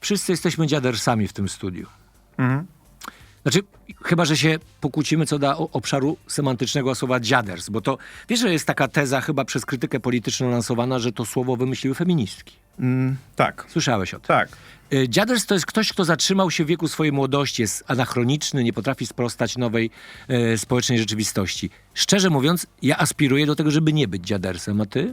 wszyscy jesteśmy dziadersami w tym studiu. Mhm. Znaczy, chyba że się pokłócimy co do obszaru semantycznego słowa dziaders, bo to, wiesz, że jest taka teza chyba przez krytykę polityczną lansowana, że to słowo wymyśliły feministki. Tak, Słyszałeś o tym? tak. Dziaders to jest ktoś, kto zatrzymał się w wieku swojej młodości, jest anachroniczny, nie potrafi sprostać nowej społecznej rzeczywistości. Szczerze mówiąc, ja aspiruję do tego, żeby nie być dziadersem, a ty?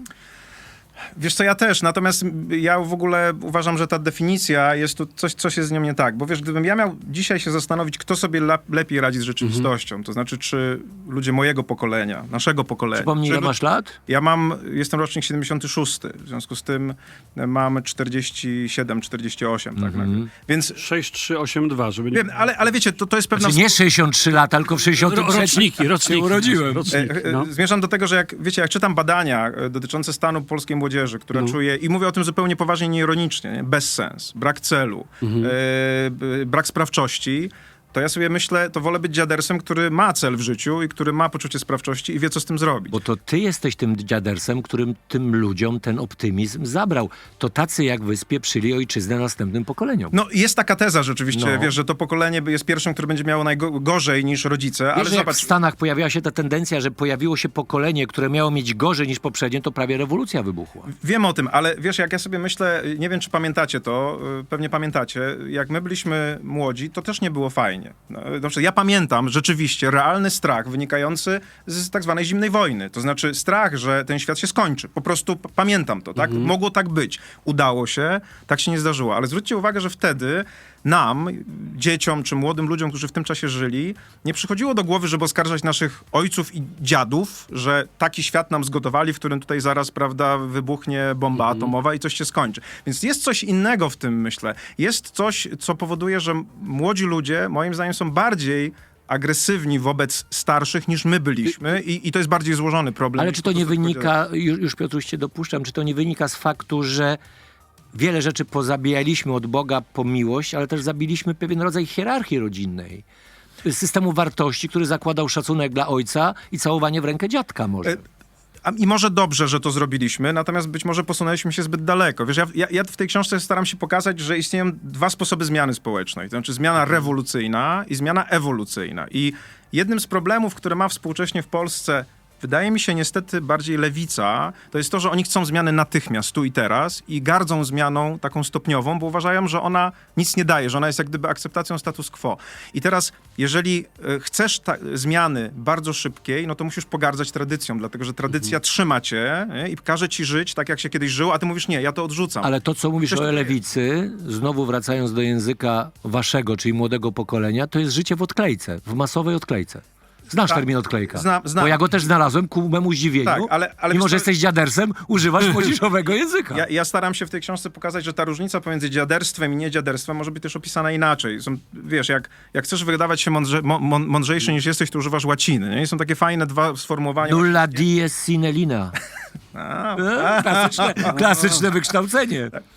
Wiesz co, ja też, natomiast ja w ogóle uważam, że ta definicja jest tu coś jest z nią nie tak, bo wiesz, gdybym ja miał dzisiaj się zastanowić, kto sobie lepiej radzi z rzeczywistością, to znaczy, czy ludzie mojego pokolenia, naszego pokolenia. Przypomnij, ile masz lat? Jestem rocznik 76, w związku z tym mam 47, 48, tak nagle. Więc 6382, żeby nie... wiem, ale wiecie, to jest pewna... Znaczy nie 63 lata, tylko w 63 Roczniki. się urodziłem. No. Zmierzam do tego, że jak czytam badania dotyczące stanu polskiej młodzieży, która czuje, i mówię o tym zupełnie poważnie, nieironicznie, nie? Bezsens, brak celu, brak sprawczości, to ja sobie myślę, to wolę być dziadersem, który ma cel w życiu i który ma poczucie sprawczości i wie, co z tym zrobić. Bo to ty jesteś tym dziadersem, którym tym ludziom ten optymizm zabrał. To tacy jak wy spieprzyli ojczyznę następnym pokoleniom. No, jest taka teza rzeczywiście, No. wiesz, że to pokolenie jest pierwszym, które będzie miało najgorzej niż rodzice, ale Wiesz, że jak zobacz... w Stanach pojawiła się ta tendencja, że pojawiło się pokolenie, które miało mieć gorzej niż poprzednie, to prawie rewolucja wybuchła. Wiem o tym, ale wiesz, jak ja sobie myślę, nie wiem, czy pamiętacie to, pewnie pamiętacie, jak my byliśmy młodzi, to też nie było fajnie. Znaczy, ja pamiętam rzeczywiście realny strach wynikający z tak zwanej zimnej wojny. To znaczy strach, że ten świat się skończy. Po prostu pamiętam to, tak? Mogło tak być. Udało się, tak się nie zdarzyło. Ale zwróćcie uwagę, że wtedy nam, dzieciom czy młodym ludziom, którzy w tym czasie żyli, nie przychodziło do głowy, żeby oskarżać naszych ojców i dziadów, że taki świat nam zgotowali, w którym tutaj zaraz, prawda, wybuchnie bomba atomowa i coś się skończy. Więc jest coś innego w tym, myślę. Jest coś, co powoduje, że młodzi ludzie, moim zdaniem, są bardziej agresywni wobec starszych niż my byliśmy i to jest bardziej złożony problem. Ale niż czy po to nie prostu wynika, już Piotruś cię dopuszczam, czy to nie wynika z faktu, że wiele rzeczy pozabijaliśmy od Boga po miłość, ale też zabiliśmy pewien rodzaj hierarchii rodzinnej. Systemu wartości, który zakładał szacunek dla ojca i całowanie w rękę dziadka może. I może dobrze, że to zrobiliśmy, natomiast być może posunęliśmy się zbyt daleko. Wiesz, ja w tej książce staram się pokazać, że istnieją dwa sposoby zmiany społecznej. To znaczy zmiana rewolucyjna i zmiana ewolucyjna. I jednym z problemów, które ma współcześnie w Polsce, wydaje mi się niestety bardziej lewica, to jest to, że oni chcą zmiany natychmiast, tu i teraz i gardzą zmianą taką stopniową, bo uważają, że ona nic nie daje, że ona jest jak gdyby akceptacją status quo. I teraz, jeżeli chcesz zmiany bardzo szybkiej, no to musisz pogardzać tradycją, dlatego że tradycja trzyma cię, nie? I każe ci żyć tak, jak się kiedyś żyło, a ty mówisz, nie, ja to odrzucam. Ale to, co mówisz Przecież o to- lewicy, znowu wracając do języka waszego, czyli młodego pokolenia, to jest życie w odklejce, w masowej odklejce. Znasz Tak. termin odklejka? Znam. Bo ja go też znalazłem ku memu zdziwieniu. Tak, ale Mimo, wiesz że co- jesteś dziadersem, używasz młodzieżowego języka. Ja staram się w tej książce pokazać, że ta różnica pomiędzy dziaderstwem i niedziaderstwem może być też opisana inaczej. Wiesz, jak chcesz wydawać się mądrzejszy niż jesteś, to używasz łaciny. Nie? I są takie fajne dwa sformułowania. Nulla dies sine linea. Klasyczne wykształcenie.